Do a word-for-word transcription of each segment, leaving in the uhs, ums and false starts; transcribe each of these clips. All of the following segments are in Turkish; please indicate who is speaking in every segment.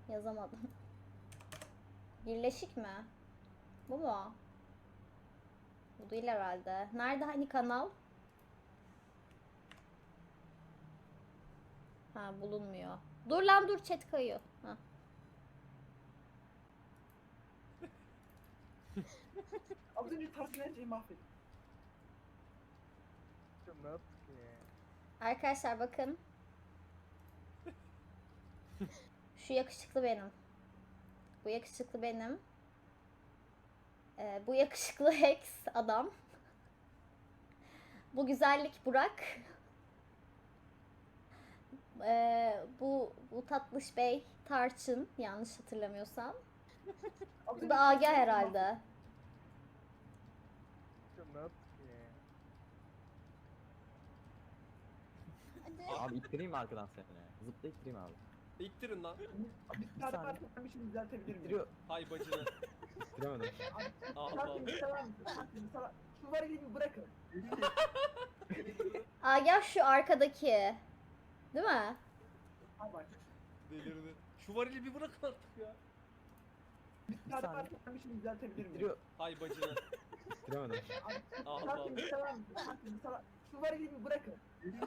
Speaker 1: Yazamadım. Birleşik mi? Bu mu? Bu değil herhalde. Nerede hani kanal? Ha, bulunmuyor. Dur lan dur, chat kayıyor. Ha.
Speaker 2: Az önce Tarkan Erce'yi mahvettim.
Speaker 3: Ne yaptık ya?
Speaker 1: Arkadaşlar bakın. Şu yakışıklı benim. Bu yakışıklı benim. Ee, bu yakışıklı Hex adam. Bu güzellik Burak. Ee, bu bu tatlış bey Tarçın, yanlış hatırlamıyorsam.
Speaker 2: Az
Speaker 1: Bu
Speaker 2: önce
Speaker 1: da
Speaker 2: Tarkan
Speaker 1: Agah
Speaker 2: Erce'yi
Speaker 1: herhalde.
Speaker 3: Ne yaptık ya?
Speaker 4: Abi ittireyim mi arkadan seni? Zıpla ittireyim abi.
Speaker 5: İttirin lan.
Speaker 2: mahvettim. Bir tane
Speaker 4: saniye.
Speaker 2: varsa ben bir şey düzeltebilir miyim?
Speaker 4: İttiriyor.
Speaker 5: Hay bacını.
Speaker 4: İttiremedim.
Speaker 5: Al
Speaker 2: Tarkan
Speaker 5: al.
Speaker 2: bir sever misin? Tarkan sana şu var elini bırakın.
Speaker 1: Agah şu arkadaki. Değil mi?
Speaker 2: Ha bak.
Speaker 5: Delirdi. Şu varili bir bırakın artık ya.
Speaker 2: Bir tane
Speaker 4: saniye.
Speaker 2: varsa ben bir şey düzeltebilir miyim?
Speaker 4: İttiriyor.
Speaker 5: Hay bacını.
Speaker 4: İttiremedim.
Speaker 5: Al al.
Speaker 2: Tarkan bir sever misin? Tarkan sana şu var elini bırakın.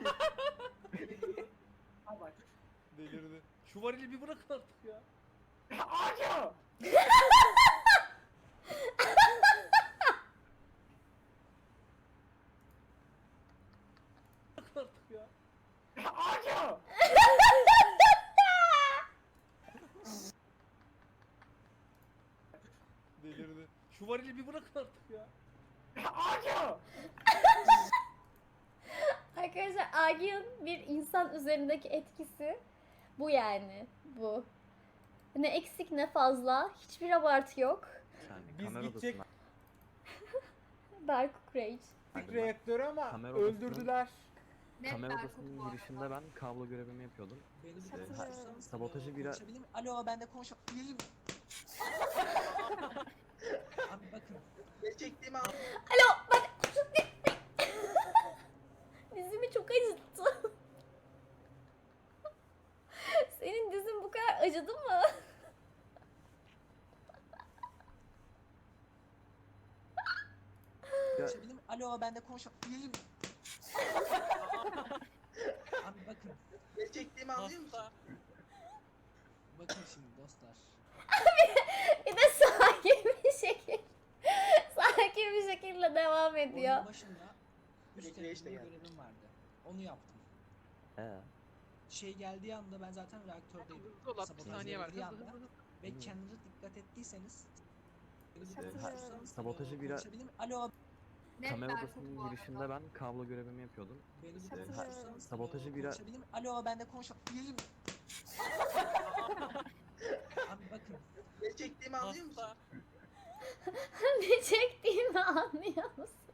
Speaker 2: Ha bak.
Speaker 5: Delirdi. Şu varili bir bırakın artık ya.
Speaker 2: Ağaca!
Speaker 5: Bırakın artık ya.
Speaker 2: Ağaca!
Speaker 5: Delirdi. Şu varili bir bırakın artık ya.
Speaker 2: Ağaca!
Speaker 1: Arkadaşlar Agah'ın bir insan üzerindeki etkisi bu yani. Bu. Ne eksik ne fazla. Hiçbir abartı yok.
Speaker 4: Sen
Speaker 6: Biz
Speaker 4: kamera
Speaker 6: gidecek-
Speaker 4: odasına-
Speaker 1: Berk Rage.
Speaker 6: Gittik reaktörü ama
Speaker 4: Kamera odasının-
Speaker 6: öldürdüler.
Speaker 4: Kamera odasının girişinde ben kablo görevimi yapıyordum.
Speaker 7: Beni
Speaker 4: İşte,
Speaker 7: bir
Speaker 4: ha-
Speaker 7: konuşursanız,
Speaker 4: sabotajı
Speaker 7: eee,
Speaker 4: bir
Speaker 7: konuşabilir miyim? Alo, ben de konuşabilir miyim? Abi bakın. Ne çektiğimi anlıyorum.
Speaker 1: Alo bak. Dizimi çok acıttı. Senin dizin bu kadar acıdı mı?
Speaker 7: Konuşabilir miyim? Alo, ben de konuşabilir miyim? Abi bakın. Ne çektiğimi anlıyor musun? Bakın şimdi dostlar.
Speaker 1: Bir de sakin bir şekilde. Sakin bir şekilde devam ediyor.
Speaker 7: Oyunun başında üst
Speaker 2: Bekleyiş de
Speaker 7: bir
Speaker 2: geldi.
Speaker 7: görevim vardı. Onu yaptım.
Speaker 4: Ee,
Speaker 7: Şey geldiği anda ben zaten reaktördeydim.
Speaker 3: Dolap, bir
Speaker 7: Sabotaj
Speaker 3: saniye var.
Speaker 7: geldiği
Speaker 3: Hızlı,
Speaker 7: anda
Speaker 3: hızlı, hızlı.
Speaker 7: ve
Speaker 4: Hmm.
Speaker 7: kendinize dikkat ettiyseniz beni bir
Speaker 4: İşte,
Speaker 7: konuşursanız,
Speaker 4: ha- sabotajı
Speaker 7: eee,
Speaker 4: bir-
Speaker 7: konuşabilir miyim? Alo,
Speaker 4: kamera odasının girişinde ben kablo görevimi yapıyordum.
Speaker 7: beni bir
Speaker 4: İşte, ha-
Speaker 7: konuşursanız,
Speaker 4: sabotajı
Speaker 7: eee,
Speaker 4: bir-
Speaker 7: konuşabilir miyim? Alo, ben de konuşabilir miyim? Abi bakın. Ne çektiğimi anlıyor musun?
Speaker 1: Ne çektiğimi anlıyor musun?